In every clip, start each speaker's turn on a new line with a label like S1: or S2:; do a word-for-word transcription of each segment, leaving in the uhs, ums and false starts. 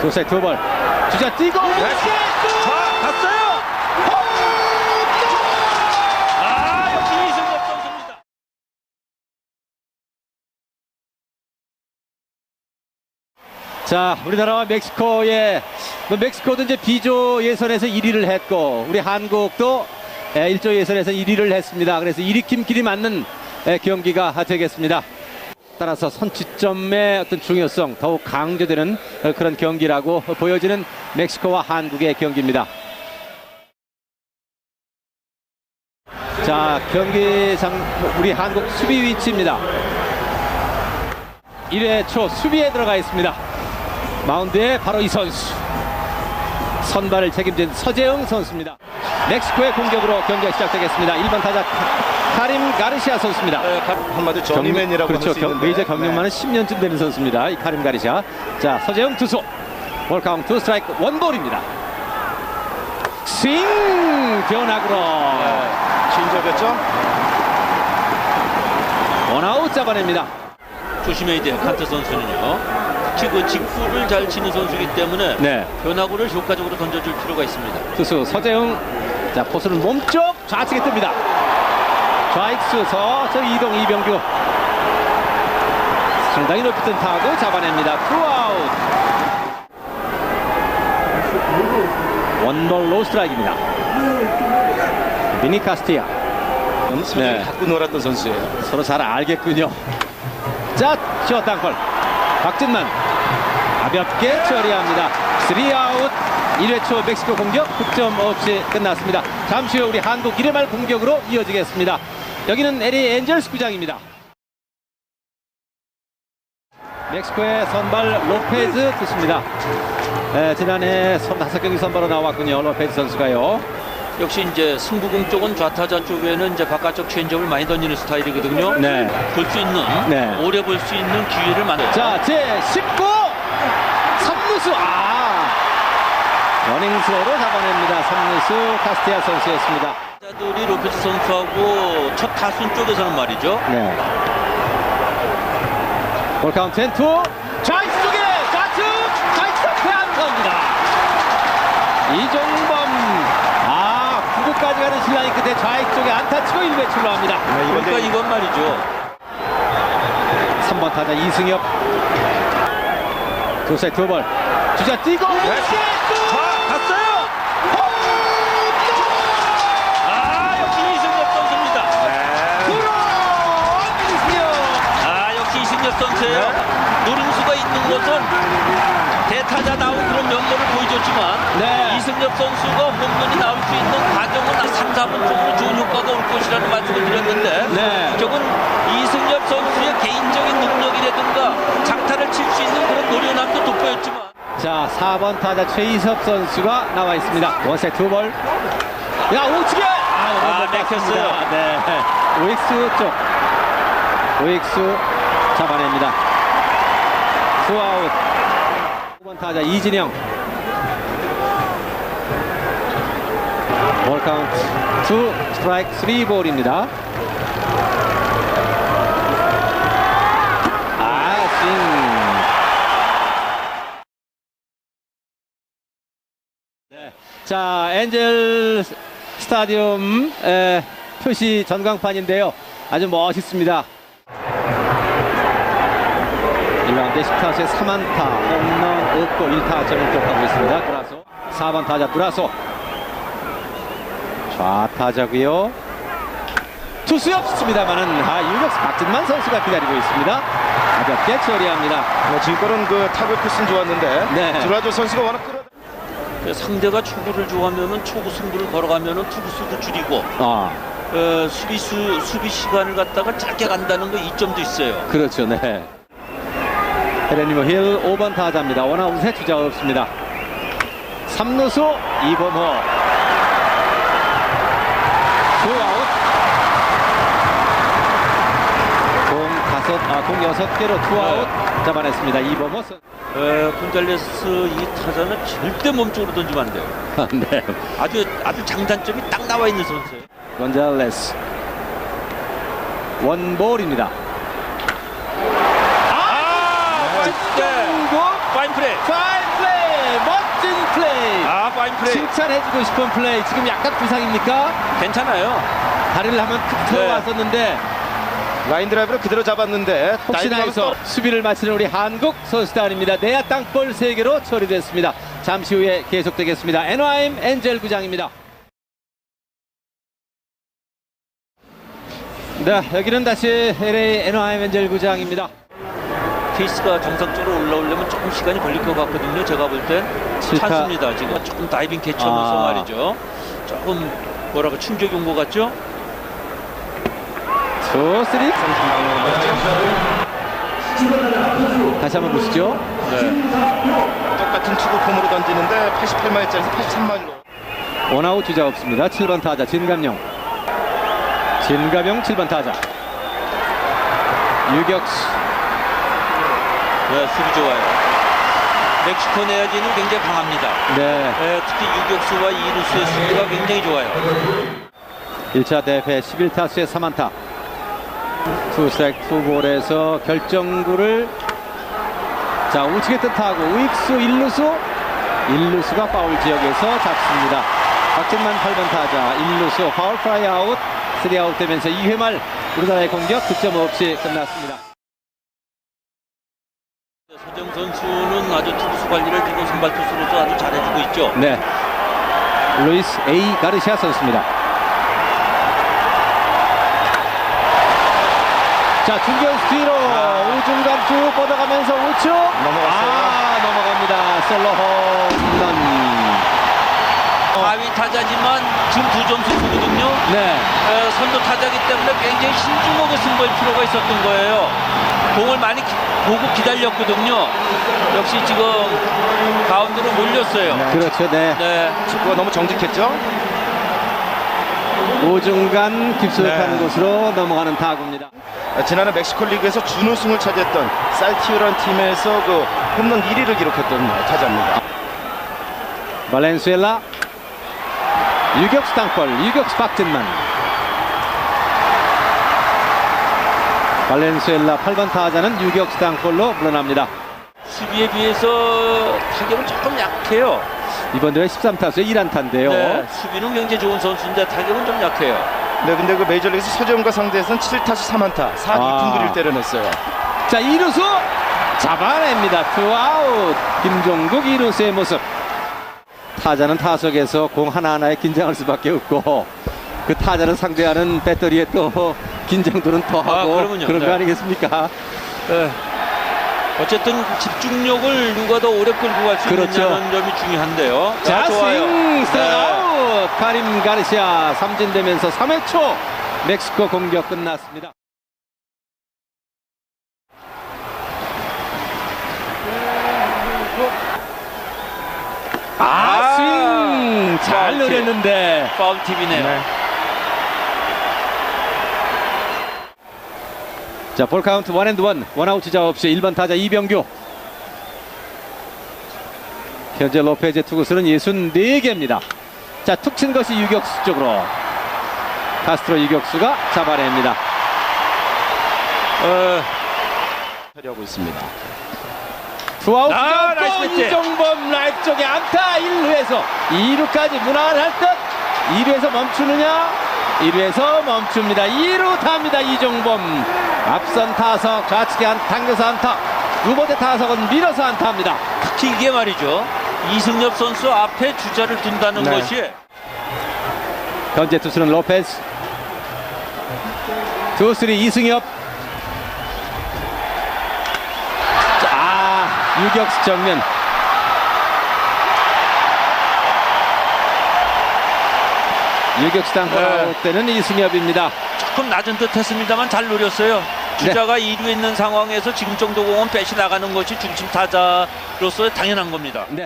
S1: 투세 투볼 주자 뛰고
S2: 네. 자, 갔어요. 아, 역시 이승엽 선수입니다.
S1: 자, 우리나라와 멕시코의 뭐 멕시코도 이제 B조 예선에서 일 위를 했고 우리 한국도 일 조 예선에서 일 위를 했습니다. 그래서 일위팀끼리 맞는 경기가 되겠습니다. 따라서 선취점의 어떤 중요성 더욱 강조되는 그런 경기라고 보여지는 멕시코와 한국의 경기입니다. 자, 경기장 우리 한국 수비 위치입니다. 일 회 초 수비에 들어가 있습니다. 마운드에 바로 이 선수, 선발을 책임진 서재흥 선수입니다. 멕시코의 공격으로 경기가 시작되겠습니다. 일 번 타자 카림 가르시아 선수입니다.
S2: 네, 한마디 저리맨이라고
S1: 그렇죠.
S2: 할 수 있는데
S1: 메이저 경력만은
S2: 네.
S1: 십 년쯤 되는 선수입니다. 이 카림 가르시아. 자, 서재흥 투수. 볼 카운트 스트라이크 원볼입니다. 스윙 변화구로
S2: 네, 진접했죠?
S1: 원아웃 잡아냅니다.
S3: 조심해야 돼요. 칸트 선수는요. 특히 그 직구를 잘 치는 선수이기 때문에
S1: 네.
S3: 변화구를 효과적으로 던져줄 필요가 있습니다.
S1: 투수 서재흥. 자, 포수는 몸쪽 좌측에 뜹니다. 좌익수 서저 이동 이병규. 상당히 높이 뜬 타구 잡아냅니다. 투아웃. 원볼 노 스트라이크입니다. 미니 카스티아.
S2: 엄청
S1: 네.
S2: 갖고 놀았던 선수예요.
S1: 서로 잘 알겠군요. 자, 시어 땅볼. 박진만 가볍게 처리합니다. 쓰리 아웃. 일 회 초 멕시코 공격 득점 없이 끝났습니다. 잠시 후 우리 한국 일 회 말 공격으로 이어지겠습니다. 여기는 엘에이 엔젤스 구장입니다. 멕시코의 선발 로페즈 투수입니다. 에, 지난해 서른다섯 경기 선발로 나왔군요. 로페즈 선수가요.
S3: 역시 이제 승부공 쪽은 좌타자 쪽에는 이제 바깥쪽 체인지업을 많이 던지는 스타일이거든요.
S1: 네.
S3: 볼 수 있는
S1: 네.
S3: 오래 볼 수 있는 기회를 만들어.
S1: 자, 제십구 삼루수. 아, 러닝스로로 잡아냅니다. 삼루수 카스티아 선수였습니다.
S3: 타자들이 로페즈 선수하고 첫 타순 쪽에서는 말이죠.
S1: 네. 볼 카운트 앤 투. 좌익수 쪽에 좌측 좌익수 앞에 안타입니다. 이종범. 아, 구 구까지 가는 신라인 끝에 좌익 쪽에 안타 치고 일 회 출루합니다.
S2: 네, 이건
S3: 그러니까 이건 말이죠.
S1: 삼 번 타자 이승엽. 투세 투볼 주자 뛰고
S2: 네. 자, 갔어요. 아,
S3: 역시 이승엽 선수입니다.
S2: 네.
S3: 아, 역시 이승엽 선수예요. 노림수가 있는 것은 대타자 나온 그런 면모를 보여줬지만
S1: 네.
S3: 이승엽 선수가 홈런이 나올 수 있는 과정은 삼, 사 분 정도 좋은 효과가 올 것이라는 말씀을 드렸는데
S1: 네.
S3: 저건 이승엽 선수의 개인적인 능력이라든가 장타를 칠 수 있는 그런 노련함도 돋보였지만
S1: 자, 사 번 타자 최희섭 선수가 나와 있습니다. 원세 투볼. 야, 우측에
S3: 아, 막혔어요.
S1: 네. 오익수 쪽. 오익수 잡아냅니다. 투아웃. 오 번 타자 이진영. 볼 카운트 투 스트라이크 쓰리 볼입니다. 아, 스윙. 네. 자, 엔젤 스타디움 에, 표시 전광판인데요. 아주 멋있습니다. 일 라운드 십 타수에 삼 안타, 홈런 없고 일 타점을 기록하고 있습니다. 브라소. 사 번 타자 브라소. 좌타자고요. 투수 없습니다만은 아, 유격수 박진만 선수가 기다리고 있습니다. 가볍게 처리합니다.
S2: 네, 지금까지는 그 타격 패스는 좋았는데
S1: 네.
S2: 드라조 선수가 워낙 끌어.
S3: 상대가 초구를 좋아하면은 초구 승부를 걸어가면은 투구수도 줄이고
S1: 아,
S3: 어, 수비수 수비 시간을 갖다가 짧게 간다는 거 이점도 있어요.
S1: 그렇죠. 네. 헤레니모 힐 오 번 타자입니다. 원아웃에 주자 없습니다. 삼루수 이범호. 투아웃. 공 다섯, 아, 공 여섯 개로 투아웃
S3: 네.
S1: 잡아냈습니다. 이범호 선.
S3: 에, 곤잘레스 이 타자는 절대 몸쪽으로 던지면 안 돼요.
S1: 네.
S3: 아주 아주 장단점이 딱 나와 있는 선수예요.
S1: 곤잘레스. 원볼입니다.
S3: 아,
S1: 네.
S3: 파인 플레이.
S1: 파인 플레이.
S3: 파인 플레이.
S1: 칭찬해주고 싶은 플레이. 지금 약간 부상입니까?
S3: 괜찮아요.
S1: 다리를 한번 툭 들어왔었는데
S2: 라인 드라이브를 그대로 잡았는데
S1: 혹시나
S2: 다이빙하면
S1: 해서 수비를 마치는 우리 한국 선수단입니다. 내야 땅볼 세 개로 처리됐습니다. 잠시 후에 계속되겠습니다. 애너하임 엔젤 구장입니다. 네, 여기는 다시 엘에이 애너하임 엔젤 구장입니다.
S3: 케이스가 정상적으로 올라오려면 조금 시간이 걸릴 것 같거든요. 제가 볼 땐
S1: 칠타.
S3: 찬스입니다. 지금 조금 다이빙 캐치하면서
S1: 아.
S3: 말이죠. 조금 뭐라고 충격이 온 것 같죠?
S1: 투, 쓰리. 다시 한번 보시죠.
S3: 네.
S2: 똑같은 투구 폼으로 던지는데 팔십팔 마일짜리에서 팔십삼 마일로.
S1: 원아웃 주자 없습니다. 칠 번 타자 진감용. 진감용 칠 번 타자. 유격수.
S3: 네, 수비 좋아요. 멕시코 내야지는 굉장히 강합니다.
S1: 네.
S3: 네, 특히 유격수와 이루수의 수비가 굉장히 좋아요.
S1: 일 차 대회 십일 타수에 삼 안타. 투 스트라이크 투 볼에서 결정구를 자 우측에 뜻하고 우익수 일루수 일루수가 파울 지역에서 잡습니다. 박진만 팔 번 타자 일루수 파울 프라이 아웃 쓰리 아웃 되면서 이 회 말 우리나라의 공격 득점 없이 끝났습니다.
S3: 서정 선수는 아주 투수 관리를 지금 선발 투수로서 아주 잘해주고 있죠.
S1: 네, 루이스 에이 가르시아 선수입니다. 자 중견수 뒤로 우중간 쭉 뻗어가면서 우측
S2: 넘어갔어요.
S1: 아 넘어갑니다. 솔로 홈런.
S3: 하위 타자지만 지금 두 점수 주거든요.
S1: 네.
S3: 에, 선두 타자기 때문에 굉장히 신중하게 승부할 필요가 있었던 거예요. 공을 많이 기, 보고 기다렸거든요. 역시 지금 가운데로 몰렸어요.
S2: 네.
S1: 그렇죠. 네.
S3: 네.
S2: 축구가 너무 정직했죠.
S1: 오중간 깊숙한
S2: 네.
S1: 곳으로 넘어가는 타구입니다.
S2: 지난해 멕시코 리그에서 준우승을 차지했던 살티오라는 팀에서 그 홈런 일 위를 기록했던 타자입니다.
S1: 발렌수엘라 유격수 땅볼 유격수 박진만. 발렌수엘라 팔 번 타자는 유격수 땅볼로 물러납니다.
S3: 수비에 비해서 타격은 조금 약해요.
S1: 이번 대회 십삼 타수에 일 안타인데요.
S3: 네, 수비는 굉장히 좋은 선수인데 타격은 좀 약해요.
S2: 네, 근데 그 메이저리그에서 서재훈과 상대에서는 칠 타수 삼 안타 사 할
S1: 아.
S2: 이 푼 그리를 때려냈어요.
S1: 자 이루수 잡아냅니다. 투아웃. 김종국 이루수의 모습. 타자는 타석에서 공 하나하나에 긴장할 수밖에 없고 그 타자를 상대하는 배터리에 또 긴장도는 더하고
S3: 아, 그러면요.
S1: 그런
S3: 네.
S1: 거 아니겠습니까?
S3: 네. 어쨌든 집중력을 누가 더 오래 끌고 갈 수
S1: 그렇죠.
S3: 있느냐는 점이 중요한데요.
S1: 자,
S3: 좋아요.
S1: 스윙 스트라이크
S3: 네.
S1: 아웃. 카림 가르시아 삼진되면서 삼 회 초 멕시코 공격 끝났습니다. 아,
S3: 아,
S1: 스윙 잘
S3: 파울 팁.
S1: 노렸는데
S3: 파울 팁이네요.
S2: 네.
S1: 자, 볼 카운트 원 앤드 원. 원아웃 주자 없이 일 번 타자 이병규. 현재 로페즈의 투구수는 육십사 개입니다. 자, 툭 친 것이 유격수 쪽으로. 카스트로 유격수가 잡아냅니다.
S3: 어,
S2: 하려고 있습니다.
S1: 투아웃
S3: 아, 나이스
S1: 또
S3: 배트.
S1: 이종범 라이트 쪽에 안타. 일 루에서 이 루까지 무난할 듯. 이 루에서 멈추느냐? 일 루에서 멈춥니다. 이 루 탑니다. 이종범. 앞선 타석 좌측에 한 당겨서 안타. 두 번째 타석은 밀어서 안타입니다.
S3: 특히 이게 말이죠. 이승엽 선수 앞에 주자를 둔다는
S2: 네.
S3: 것이
S1: 현재 투수는 로페즈. 투, 쓰리 이승엽. 자, 유격수 정면. 유격수 땅볼
S3: 네.
S1: 아웃 때는 이승엽입니다.
S3: 조금 낮은 듯 했습니다만 잘 노렸어요. 주자가 이 루에 있는 상황에서 지금 정도 공은 빼시 나가는 것이 중심 타자로서 당연한 겁니다.
S1: 네.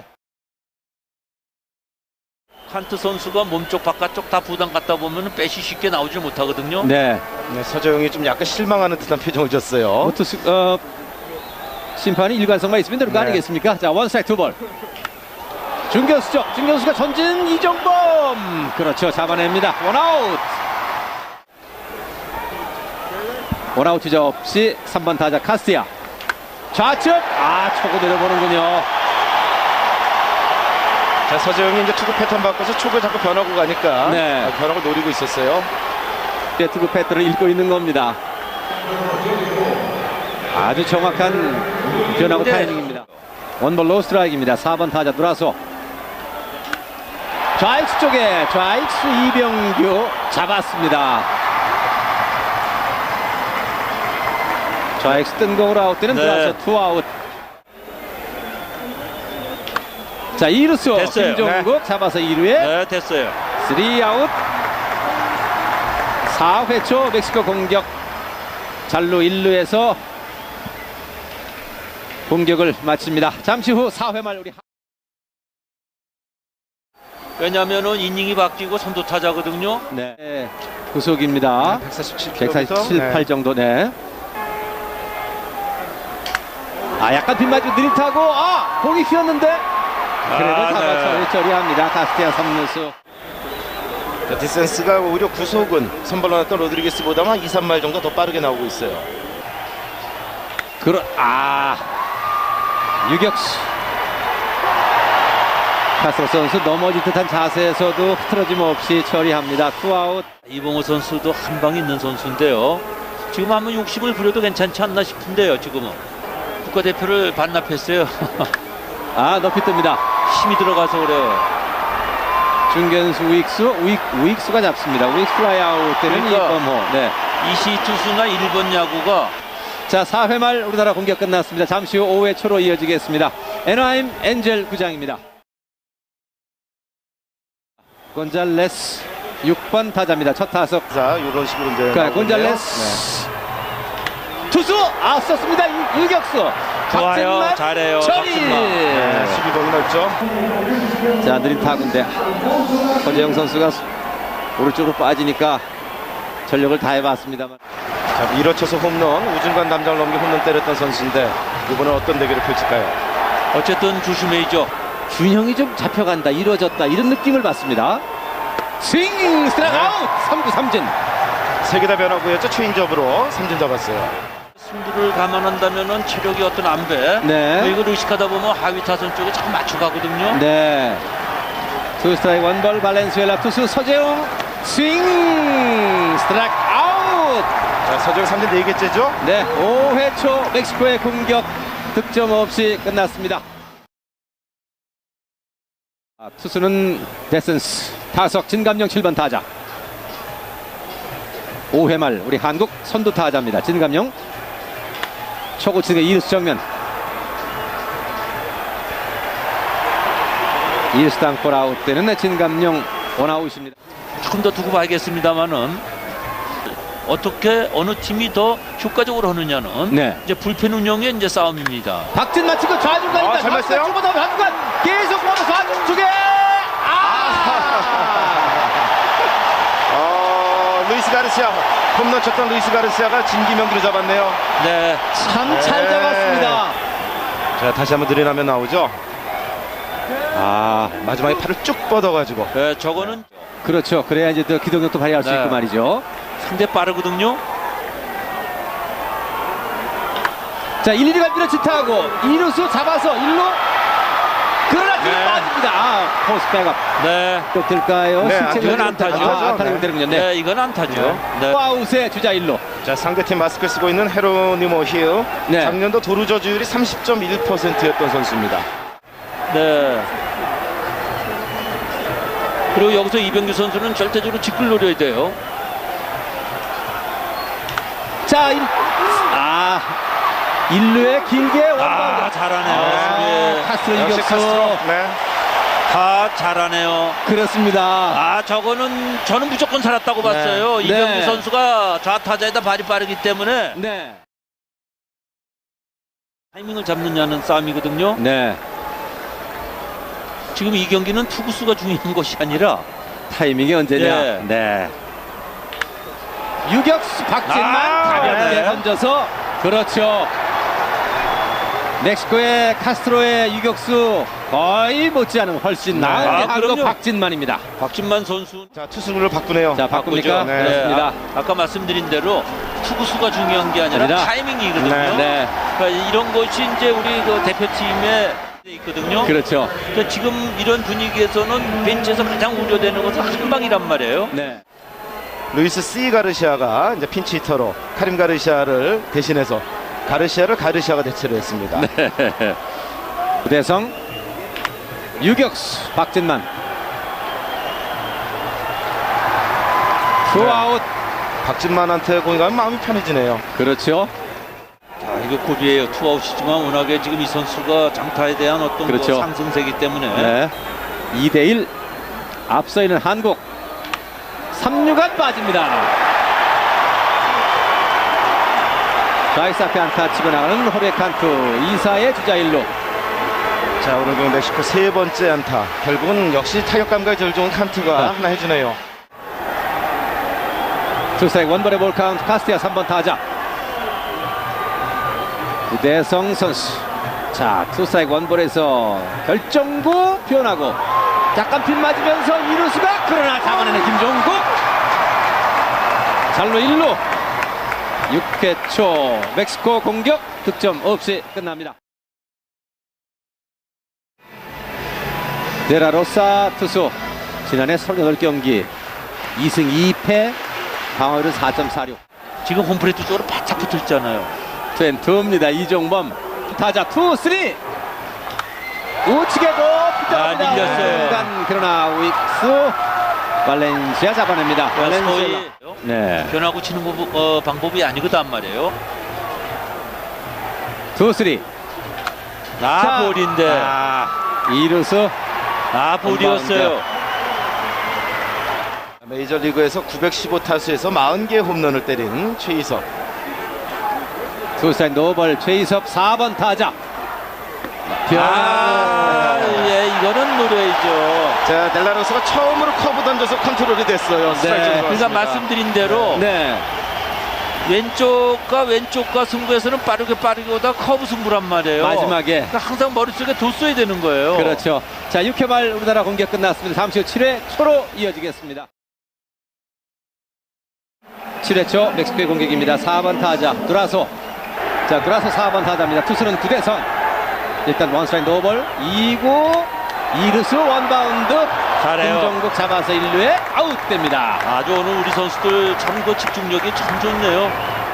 S3: 칸트 선수가 몸쪽 바깥쪽 다 부담 갖다 보면 빼시 쉽게 나오질 못하거든요.
S1: 네.
S2: 네, 서재영이 좀 약간 실망하는 듯한 표정을 줬어요.
S1: 투수, 어, 심판이 일관성만 있으면 되는 거
S2: 네.
S1: 아니겠습니까? 자, 원 스트라이크 두 볼. 중견수죠. 중견수가 전진 이종범. 그렇죠. 잡아냅니다. 원아웃. 원아웃 주자 없이 삼 번 타자 카스티아. 좌측. 아, 초고 내려보는군요.
S2: 자, 서재영이 이제 투구 패턴 바꿔서 촉을 자꾸 변하고 가니까
S1: 네.
S2: 변화를 노리고 있었어요.
S1: 투구 패턴을 읽고 있는 겁니다. 아주 정확한 변화구
S3: 네.
S1: 타이밍입니다. 원볼 로우 스트라이크입니다. 사 번 타자 돌아서 좌익수 쪽에 좌익수 이병규 잡았습니다. 좌익수 뜬 공으로 아웃되는
S3: 네.
S1: 들어와서 투아웃. 자, 이 루수
S3: 됐어요.
S1: 김종국 잡아서 이 루에
S3: 네, 됐어요.
S1: 쓰리 아웃. 사 회 초 멕시코 공격. 잘루 일 루에서 공격을 마칩니다. 잠시 후 사 회 말 우리
S3: 왜냐면은 이닝이 바뀌고 선두 타자거든요.
S1: 네, 구속입니다.
S2: 백사십칠 킬로미터.
S1: 백사십칠, 팔 정도. 네. 아, 약간 빗맞고 느릿하고 아, 공이 휘었는데 그래도
S3: 아,
S1: 잡아서
S3: 네.
S1: 처리합니다. 가스티아 삼 루수.
S2: 자, 디센스가 오히려 구속은 선발로 나왔던 로드리게스보다 한 이, 삼 말 정도 더 빠르게 나오고 있어요.
S1: 그러 아 유격수 카스트로 선수 넘어질 듯한 자세에서도 흐트러짐 없이 처리합니다. 투아웃.
S3: 이봉호 선수도 한 방 있는 선수인데요. 지금 한번 욕심을 부려도 괜찮지 않나 싶은데요. 지금은 국가대표를 반납했어요.
S1: 아, 높이 뜹니다.
S3: 힘이 들어가서 그래요.
S1: 중견수 우익수 우익, 우익수가 잡습니다. 우익수 플라이아웃 때는
S3: 그러니까.
S1: 이범호. 네.
S3: 이시 투수나 일 번 야구가
S1: 자, 사 회 말 우리나라 공격 끝났습니다. 잠시 후 오 회 초로 이어지겠습니다. 애나하임 엔젤 구장입니다. 곤잘레스 육 번 타자입니다. 첫 타석.
S2: 자, 이런 식으로 이제
S1: 자,
S2: 나오고
S1: 곤잘레스 투수 아 썼습니다. 유- 유격수
S3: 좋아요.
S1: 박진만
S3: 잘해요.
S1: 처리.
S3: 박진만.
S2: 있네요. 네, 수비봉이 넓죠.
S1: 자, 느린 타구인데 허재영 선수가 오른쪽으로 빠지니까 전력을 다해봤습니다만
S2: 자, 밀어쳐서 홈런, 우중간 담장을 넘겨 홈런 때렸던 선수인데 이번엔 어떤 대결을 펼칠까요?
S3: 어쨌든 조심해야죠.
S1: 균형이 좀 잡혀간다, 이루어졌다 이런 느낌을 받습니다. 스윙 스트라이크
S2: 네.
S1: 아웃. 삼 구 삼진.
S2: 세 개 다 변화구였죠. 체인지업으로 삼진 잡았어요.
S3: 승부를 감안한다면은 체력이 어떤 안배.
S1: 네.
S3: 뭐 이걸 의식하다 보면 하위 타선 쪽에 자꾸 맞춰가거든요.
S1: 네. 투 스트라이크 원볼 발렌수엘라 투수 서재웅 스윙 스트라이크 아웃.
S2: 자, 서재영 삼진 네 개째죠.
S1: 네, 오 회 초 멕시코의 공격 득점 없이 끝났습니다. 아, 투수는 데센스, 타석 진감영 칠 번 타자. 오 회 말 우리 한국 선두 타자입니다. 진감영 초구 치는 이 루수 정면. 이 루수 땅볼 아웃되는 진감영 원아웃입니다.
S3: 조금 더 두고 봐야겠습니다만은 어떻게 어느 팀이 더 효과적으로 하느냐는
S1: 네.
S3: 이제 불펜 운영의 이제 싸움입니다.
S1: 박진 마치고 좌중간입니다.
S2: 아, 잘 맞았어요?
S1: 주고도 좌중간 계속 보면서 좌중 쪽에 아!
S2: 어, 루이스 가르시아 홈런 쳤던 루이스 가르시아가 진기명기로 잡았네요.
S3: 네,
S1: 참 잘
S2: 네.
S1: 잡았습니다.
S2: 자, 다시 한번 느리나면 나오죠. 아, 마지막에 팔을 쭉 뻗어가지고.
S3: 네, 저거는
S1: 그렇죠. 그래야 이제 또 기동력도 발휘할 수
S3: 네.
S1: 있고 말이죠.
S3: 상대 빠르거든요.
S1: 자, 일, 이 루가 밀어치타하고 이 루수 잡아서 일 루 그러나 뒤로
S3: 네.
S1: 빠집니다. 아, 포스 백업.
S3: 네,
S1: 또 될까요?
S2: 네,
S1: 실책을
S3: 이건
S1: 좀-
S3: 안타죠.
S1: 아, 안타가
S2: 네.
S1: 되는군요.
S3: 네,
S1: 네.
S3: 이건 안타죠. 네.
S1: 아웃에 주자 일 루.
S2: 자, 상대팀 마스크를 쓰고 있는 헤로니모 힐.
S1: 네.
S2: 작년도 도루 저주율이 삼십 점 일 퍼센트였던 선수입니다.
S3: 네. 그리고 여기서 이병규 선수는 절대적으로 직구를 노려야 돼요.
S1: 자, 일, 아, 일 루에 길게
S3: 아,
S1: 원바운드.
S3: 잘하네요.
S1: 아,
S3: 네.
S1: 카스트로
S2: 역시
S1: 이겼어.
S2: 카스트로. 네.
S3: 다 잘하네요.
S1: 그렇습니다.
S3: 아, 저거는 저는 무조건 살았다고 봤어요.
S1: 네.
S3: 이병규
S1: 네.
S3: 선수가 좌타자에다 발이 빠르기 때문에
S1: 네.
S3: 타이밍을 잡느냐는 싸움이거든요.
S1: 네.
S3: 지금 이 경기는 투구수가 중요한 것이 아니라
S1: 타이밍이 언제냐?
S3: 네.
S1: 네. 유격수 박진만
S3: 아,
S1: 가볍게
S2: 네.
S1: 던져서 그렇죠. 멕시코의 카스트로의 유격수 거의 못지않은 훨씬 나은
S3: 아,
S1: 한국
S3: 그럼요.
S1: 박진만입니다.
S3: 박진만 선수
S2: 자, 투수를 바꾸네요.
S1: 자, 바꿉니까?
S2: 네.
S1: 그렇습니다.
S3: 아, 아까 말씀드린 대로 투구수가 중요한 게 아니라
S1: 아니라.
S3: 타이밍이거든요.
S2: 네.
S1: 네.
S3: 그러니까 이런 것이 이제 우리 그 대표팀의 있거든요.
S1: 그렇죠.
S3: 그러니까 지금 이런 분위기에서는 벤치에서 가장 우려되는 것은 한 방이란 말이에요.
S1: 네.
S2: 루이스 C 가르시아가 이제 핀치 히터로 카림 가르시아를 대신해서 가르시아를 가르시아가 대체를 했습니다.
S1: 구대성 유격수 박진만 투아웃.
S2: 박진만한테 공이 가면 마음이 편해지네요.
S1: 그렇죠.
S3: 자, 이거 고비예요. 투아웃이지만 워낙에 지금 이 선수가 장타에 대한 어떤
S1: 그렇죠.
S3: 그 상승세기 때문에
S1: 네. 이 대 일 앞서 있는 한국. 삼 루간 빠집니다. 좌익수 앞에 안타 치고 나가는 호레 칸투. 이 사의 주자 일 루.
S2: 자, 오늘 그 멕시코 세 번째 안타. 결국은 역시 타격 감각이 제일 좋은 칸트가
S1: 네.
S2: 하나 해주네요.
S1: 투스트라이크 원볼의 볼 카운트. 카스티아 삼 번 타자 구대성 선수. 자, 투스트라이크 원볼에서 결정구 표현하고 약간 핀 맞으면서 이루수가 그러나 잡아내는 김종국. 잘루 일 루. 육 회 초 멕시코 공격 득점 없이 끝납니다. 데라로사 투수 지난해 삼십팔 경기 이 승 이 패 방어율은 사 점 사육.
S3: 지금 홈플레이트 쪽으로 바짝 붙어 있잖아요.
S1: 투앤투입니다. 이종범 타자 투 쓰리 우측에도
S3: 아, 밀렸어요.
S1: 순간 그러나 우익수 발렌시아 잡아냅니다. 발렌시아.
S3: 거의
S1: 네.
S3: 변하고 치는 부- 어, 방법이 아니거든 말이에요.
S1: 투 쓰리.
S3: 아,
S1: 자,
S3: 볼인데.
S1: 아, 이루수
S3: 아, 볼이었어요.
S2: 메이저리그에서 구백십오 타수에서 사십 개 홈런을 때린 최희석.
S1: 투사인 노벌 최희섭 사 번 타자.
S3: 아, 예, 이거는 노려야죠.
S2: 자, 델라로스가 처음으로 커브 던져서 컨트롤이 됐어요. 스트라이크
S1: 네.
S3: 그러니까 말씀드린 대로
S1: 네.
S3: 왼쪽과 왼쪽과 승부에서는 빠르게 빠르게 오다 커브 승부란 말이에요.
S1: 마지막에.
S3: 그러니까 항상 머릿속에 뒀어야 되는 거예요.
S1: 그렇죠. 자, 육 회 말 우리나라 공격 끝났습니다. 잠시 후 칠 회 초로 이어지겠습니다. 칠 회 초 멕시코의 공격입니다. 사 번 타자 두라소. 자, 두라소 사 번 타자입니다. 투수는 구대성. 일단 원스트라이크 노볼 이 구 이 루수 원바운드.
S3: 잘해요.
S1: 김종국 잡아서 일 루에 아웃됩니다.
S3: 아주 오늘 우리 선수들 참 그 집중력이 참 좋네요.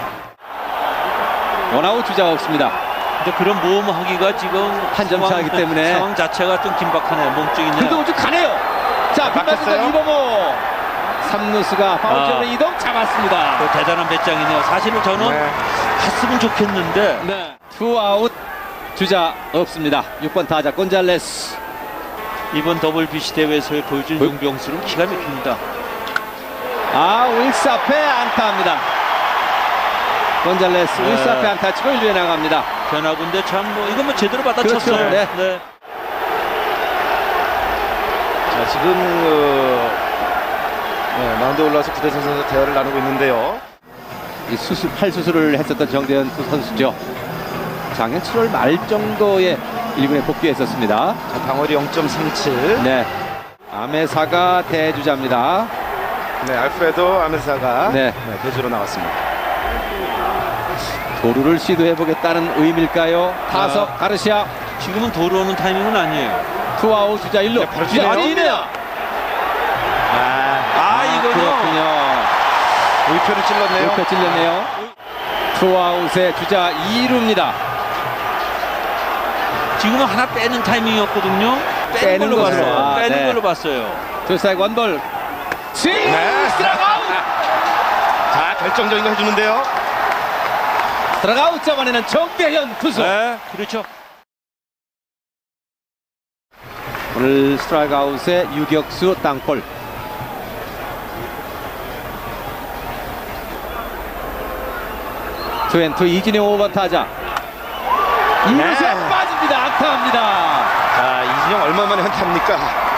S1: 원아웃 주자가 없습니다.
S3: 근데 그런 모험하기가 지금
S1: 한점
S3: 상황-
S1: 차이기 때문에.
S3: 상황 자체가 좀 긴박하네요. 몸쪽이네요.
S1: 그래도 우측 가네요. 자, 빗맞은
S2: 바뀌었어요?
S1: 이범호. 삼 루수가 파울쪽으로
S3: 아.
S1: 이동 잡았습니다.
S3: 그 대단한 배짱이네요. 사실은 저는
S2: 네.
S3: 갔으면 좋겠는데
S1: 네. 투아웃 주자 없습니다. 육 번 타자 곤잘레스.
S3: 이번 더블비씨 대회에서 보여준
S1: 어?
S3: 용병수는 기가 막힙니다.
S1: 아, 윌스 앞에 안타합니다. 곤잘레스
S3: 네.
S1: 윌스 앞에 안타 치고 일 루에 나갑니다.
S3: 변화군데 참 뭐 이건 뭐 제대로 받아쳤어요.
S1: 그렇죠. 네.
S3: 네.
S2: 자, 지금 그 네, 마운드에 올라와서 구대성 선수 대화를 나누고 있는데요.
S1: 이 수술, 팔 수술을 했었던 정대현 두 선수죠. 작년 칠월 말 정도에 일 군에 복귀했었습니다.
S2: 자, 방어리 영 점 삼칠.
S1: 네. 아메사가 대주자입니다.
S2: 네, 알프레도 아메사가
S1: 네.
S2: 네, 대주로 나왔습니다.
S1: 도루를 시도해보겠다는 의미일까요? 타석
S3: 아.
S1: 가르시아.
S3: 지금은 도로오는 타이밍은 아니에요.
S1: 투아웃 주자 일 루.
S2: 네, 바로 뛰네요.
S1: 뛰네요.
S2: 아,
S3: 아, 이거는
S1: 그렇군요.
S2: 우표를 찔렀네요.
S1: 이렇게 찔렸네요. 투아웃의 주자 이 루입니다.
S3: 지금은 하나 빼는 타이밍이었거든요. 빼는,
S1: 빼는
S3: 걸로
S1: 것으로.
S3: 봤어요.
S1: 아,
S3: 빼는
S1: 네.
S3: 걸로 봤어요.
S1: 투스트라이크 원볼. 스윙!
S2: 네.
S1: 스트라이크아웃!
S2: 자, 결정적인 거 해주는데요.
S1: 스트라이크아웃 잡아내는 정대현 투수.
S3: 네, 그렇죠.
S1: 오늘 스트라이크아웃의 유격수 땅볼. 투앤투 이진영 오 번 타자. 이루수에
S2: 네.
S1: 빠집니다. 안타합니다.
S2: 자, 이진영 얼마 만에 한타입니까?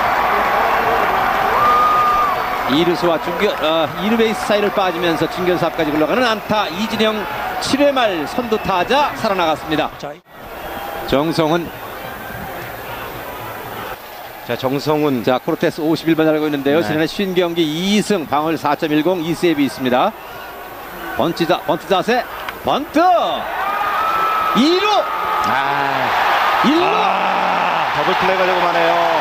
S1: 이루수와 중견 어, 이루 베이스 사이를 빠지면서 중견수 앞까지 굴러가는 안타. 이진영 칠 회 말 선두 타자 살아나갔습니다.
S3: 자,
S1: 정성훈.
S2: 자, 정성훈.
S1: 자, 코르테스 오십일 번 달고 있는데요.
S2: 네.
S1: 지난해 쉰 경기 이 승, 방어율 사 점 일공, 이 세이브 있습니다. 번트, 자, 번트 자세, 번트! 이 루!
S2: 아,
S1: 일 루!
S3: 아,
S2: 더블 플레이 가려고 하네요.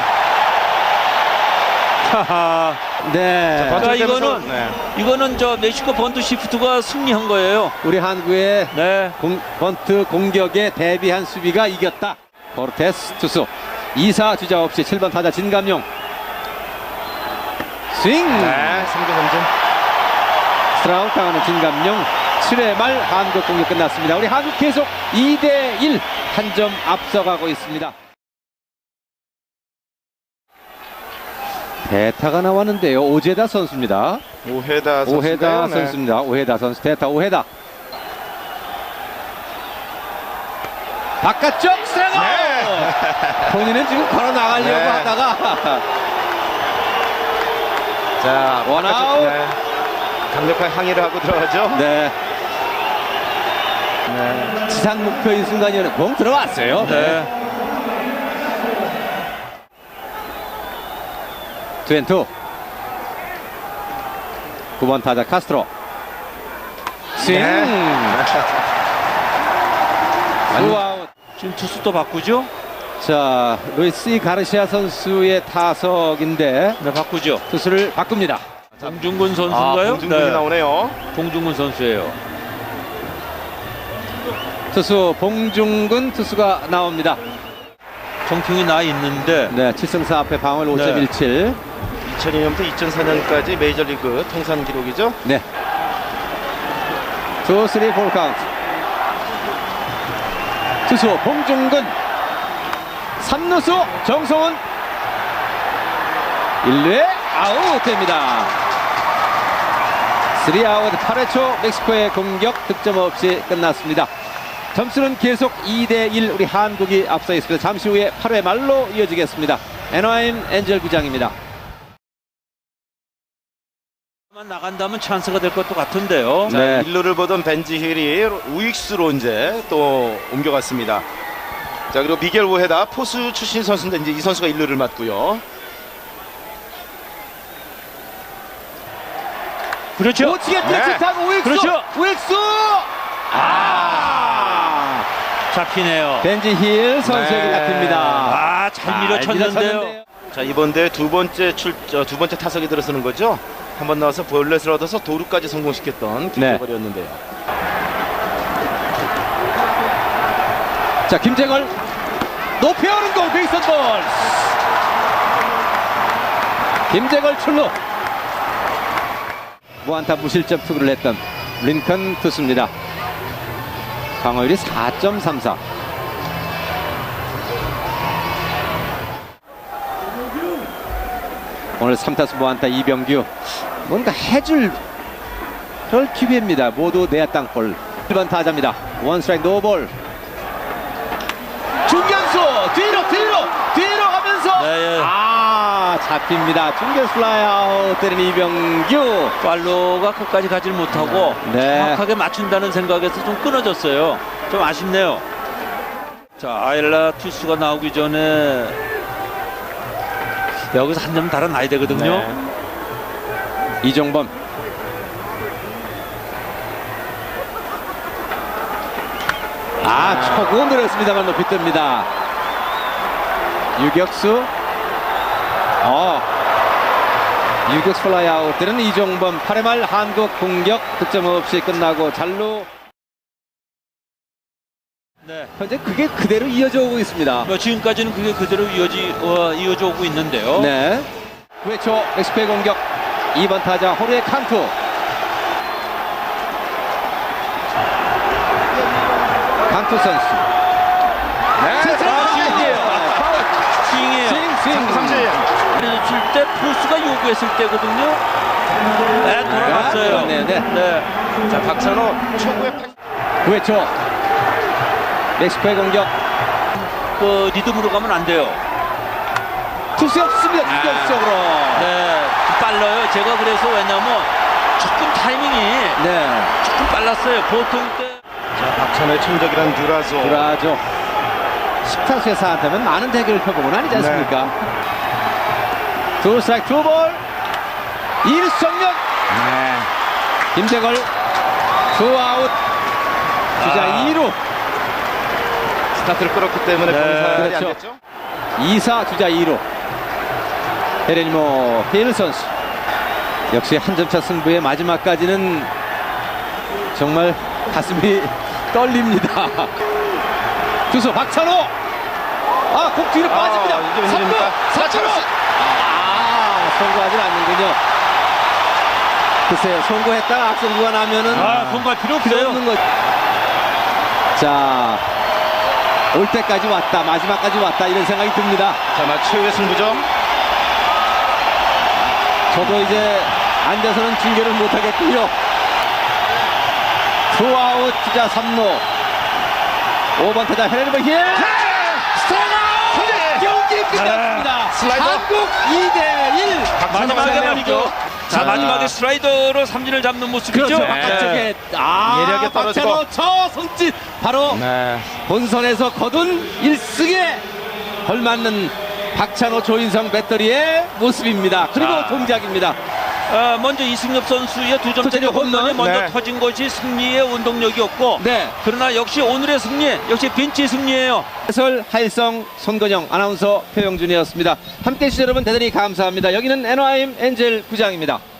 S1: 하하. 네.
S2: 번트
S3: 그러니까
S2: 때면서,
S3: 이거는
S2: 네.
S3: 이거는 저 멕시코 번트 시프트가 승리한 거예요.
S1: 우리 한국의
S3: 네.
S1: 공, 번트 공격에 대비한 수비가 이겼다. 코르테스 투수 이 사 주자 없이 칠 번 타자 진감용 스윙.
S2: 네, 삼 구 삼 진.
S1: 스트라우크 당하는 진감용. 칠 회 말 한국 공격 끝났습니다. 우리 한국 계속 이 대 일 한 점 앞서가고 있습니다. 대타가 나왔는데요. 오제다 선수입니다.
S2: 오헤다 선수.
S1: 오헤다 선수입니다. 오헤다 선수. 대타 오헤다. 바깥쪽 스트라이크.
S2: 네.
S1: 본인은 지금 걸어 나가려고
S2: 네.
S1: 하다가
S2: 자,
S1: 원아웃.
S2: 네. 강력한 항의를 하고 들어가죠.
S1: 네.
S2: 네.
S1: 지상 목표인 순간이었는데 공 들어왔어요.
S3: 네.
S1: 투앤투. 구 번 타자 카스트로. 스윙.
S2: 네.
S1: 투아웃.
S3: 지금 투수 또 바꾸죠?
S1: 자, 루이스 가르시아 선수의 타석인데
S3: 네, 바꾸죠.
S1: 투수를 바꿉니다.
S3: 봉중근
S2: 아,
S3: 선수인가요?
S2: 봉중근이
S3: 네.
S2: 나오네요.
S3: 봉중근 선수예요.
S1: 투수 봉중근 투수가 나옵니다.
S3: 정평이 나 있는데
S1: 네, 칠 승 사 패 방울 오 점 일칠.
S2: 이천이 년부터 이천사 년까지 메이저리그 통산 기록이죠.
S1: 네. 투, 쓰리, 볼 카운트. 투수 봉중근. 삼 루수 정성훈. 일 루에 아웃됩니다. 쓰리 아웃 팔 회 초 멕시코의 공격 득점 없이 끝났습니다. 점수는 계속 이 대 일 우리 한국이 앞서 있습니다. 잠시 후에 팔 회 말로 이어지겠습니다. 애너하임 엔젤 구장입니다.
S3: 나간다면 찬스가 될 것도 같은데요.
S2: 자,
S1: 네.
S2: 일 루를 보던 벤지 힐이 우익수로 이제 또 옮겨갔습니다. 자, 그리고 미겔 오헤다 포수 출신 선수인데 이제 이 선수가 일 루를 맡고요.
S3: 그렇죠.
S1: 오치게
S2: 네.
S1: 뜰짓한 우익수.
S3: 그렇죠.
S1: 우익수. 아.
S3: 잡히네요.
S1: 벤지 힐 선수에게
S2: 네.
S1: 잡힙니다.
S3: 아, 잘 밀어쳤는데요.
S2: 자, 이번 대회 두 번째 출, 어, 두 번째 타석에 들어서는 거죠. 한 번 나와서 볼넷을 얻어서 도루까지 성공시켰던
S1: 네.
S2: 김재걸이었는데요.
S1: 자, 김재걸 높이 오는 공 베이스 볼. 김재걸 출루. 무안타 무실점 투구를 했던 린컨 투수입니다. 방어율이 사 점 삼사. 오늘 삼 타수 무안타 이병규. 뭔가 해줄 그럴 기회입니다. 모두 내야 땅볼. 일 번 타자입니다. 원 스트라이크 노볼. 중견수 뒤로 뒤로 뒤로 가면서
S3: 네, 예.
S1: 아 잡힙니다. 중견수 플라이아웃 때린 이병규.
S3: 팔로가 끝까지 가질 못하고
S1: 네.
S3: 정확하게 맞춘다는 생각에서 좀 끊어졌어요. 좀 아쉽네요. 자, 아일라 투수가 나오기 전에 여기서 한 점 달아나야 되거든요.
S2: 네.
S1: 이종범. 아, 초구 늘었습니다만 높이 뜹니다. 유격수. 어. 유격수 플라이아웃 때는 이종범. 팔 회 말 한국 공격 득점 없이 끝나고 잘루.
S3: 네.
S1: 현재 그게 그대로 이어져 오고 있습니다.
S3: 뭐 지금까지는 그게 그대로 이어지, 어, 이어져 오고 있는데요.
S1: 네. 구 회 초 멕시코의 공격. 이 번 타자 호르헤 칸투. 칸투 선수. 네.
S3: 스윙이에요.
S1: 스윙 스윙
S2: 삼진.
S3: 그래서 줄 때 포수가 요구했을 때거든요. 네, 돌아갔어요.
S1: 네, 네.
S3: 네.
S2: 자, 박찬호 초구의 팔-
S1: 구 회 초 멕시코의 공격.
S3: 그 리듬으로 가면 안 돼요.
S1: 투수 없습니다. 공격적으로.
S3: 네, 빨라요. 제가 그래서 왜냐면 조금 타이밍이
S1: 네.
S3: 조금 빨랐어요. 보통 때.
S2: 자, 박찬호의 천적이란 듀라소.
S1: 그러죠. 십 타수의 사 안타면 많은 대결을 펴보고는 아니지 않습니까? 투 스트라이크 투 볼. 이 루수 정면.
S2: 네.
S1: 김재걸 투 아웃. 주자
S3: 아.
S1: 이 루.
S2: 스타트를 끌었기 때문에
S3: 네,
S2: 병살이
S1: 그렇죠.
S2: 안 됐죠.
S1: 이 사 주자 이 루. 헤레니모 헤일 선수. 역시 한 점차 승부의 마지막까지는 정말 가슴이 떨립니다. 투수 박찬호. 아, 공 뒤로
S2: 아,
S1: 빠집니다.
S2: 이게
S1: 삼 루
S2: 웬일입니까?
S1: 박찬호. 아, 송구하진 않는군요. 글쎄요, 송구했다가 악송구가 나면은
S3: 아, 공갈 필요
S1: 필요
S3: 없어요.
S1: 없는 거죠. 자, 올 때까지 왔다, 마지막까지 왔다, 이런 생각이 듭니다.
S2: 자, 마치 최후의 승부죠.
S1: 저도 이제 앉아서는 중계를 못하겠고요. 투아웃 주자 삼 루. 오 번 타자 헤레니모 힐. 스트라이크! 경기 끝났습니다.
S2: 슬라이더.
S1: 한국 이 대 일.
S3: 마지막에 말이죠. 자,
S2: 자,
S3: 마지막에 슬라이더로 삼진을 잡는 모습이죠.
S1: 그렇죠.
S3: 네.
S1: 바깥쪽에 아,
S2: 예리하게 떨어지고.
S1: 박찬호 저 손짓 바로
S2: 네.
S1: 본선에서 거둔 일 승에 걸맞는 박찬호 조인성 배터리의 모습입니다. 그리고
S3: 자.
S1: 동작입니다.
S3: 어, 먼저 이승엽 선수의 두 점짜리
S1: 홈런.
S3: 홈런이 먼저
S2: 네.
S3: 터진 것이 승리의 원동력이었고
S1: 네.
S3: 그러나 역시 오늘의 승리 역시 벤치 승리예요.
S1: 해설 하일성 손건영 아나운서 표영준이었습니다. 함께해 주신 여러분 대단히 감사합니다. 여기는 앤나하임 엔젤 구장입니다.